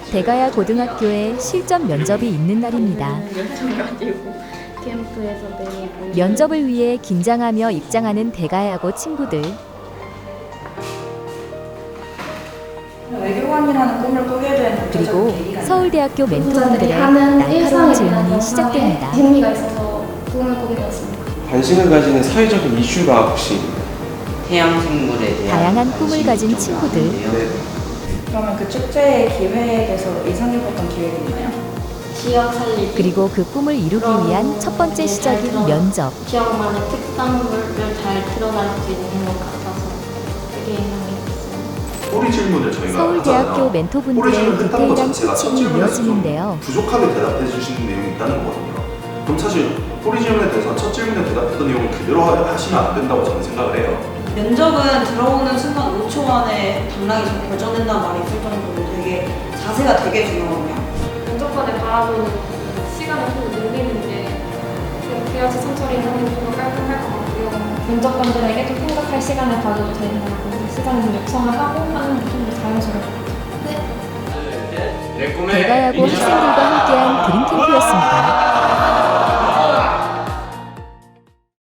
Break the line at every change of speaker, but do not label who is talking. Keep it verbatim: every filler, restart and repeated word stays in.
대가야 고등학교에 실전 면접이 있는 날입니다. 면접을 위해 긴장하며 입장하는 대가야고 친구들.
외교관이라는 꿈을 꾸게 된
그리고 서울대학교 멘토분들의
하는
날카로운
일상에
질문이
대한
시작됩니다.
재미가 있어서 꿈을 꾸게 되었습니다.
관심을 가지는 사회적인 이슈가 혹시
해양생물에 대한
다양한 꿈을
관심이
가진
좀
친구들.
많은데요.
그러면 그 축제의 기획에서 인상 깊었던 기획이 있나요?
지역 살리기.
그리고 그 꿈을 이루기 위한 첫 번째 시작인 면접.
지역만의 특산물을 잘 드러날 수 있는 것 같아서 되게 인상 깊었어요.
꼬리 질문을 저희가
서울대학교
하잖아요. 꼬리
멘토분들의
질문을 했다는 것
디테일한
자체가 첫
코칭이
질문에서 좀
이어지는데요.
부족하게 대답해 주시는 내용이 있다는 거거든요. 그럼 사실 꼬리 질문에 대해서 첫 질문에 대답했던 내용을 그대로 하- 하시면 안 된다고 저는 생각을 해요.
면접은 들어오는 순간 오 초 안에 당락이 좀 결정된다는 말이 있을 정도로 되게 자세가 되게 중요하거든요.
면접관을 바라보는 시간을 좀 늘리는 게 그래야지 천천히 하는 게 좀 더 깔끔할 것 같고요. 면접관들에게 좀 생각할 시간을 가져도 된다고 시간을 좀 요청을 하고 하는 게 좀 더 자연스러울 것 같아요.
대가야고 학생들과 함께한 드림캠프였습니다.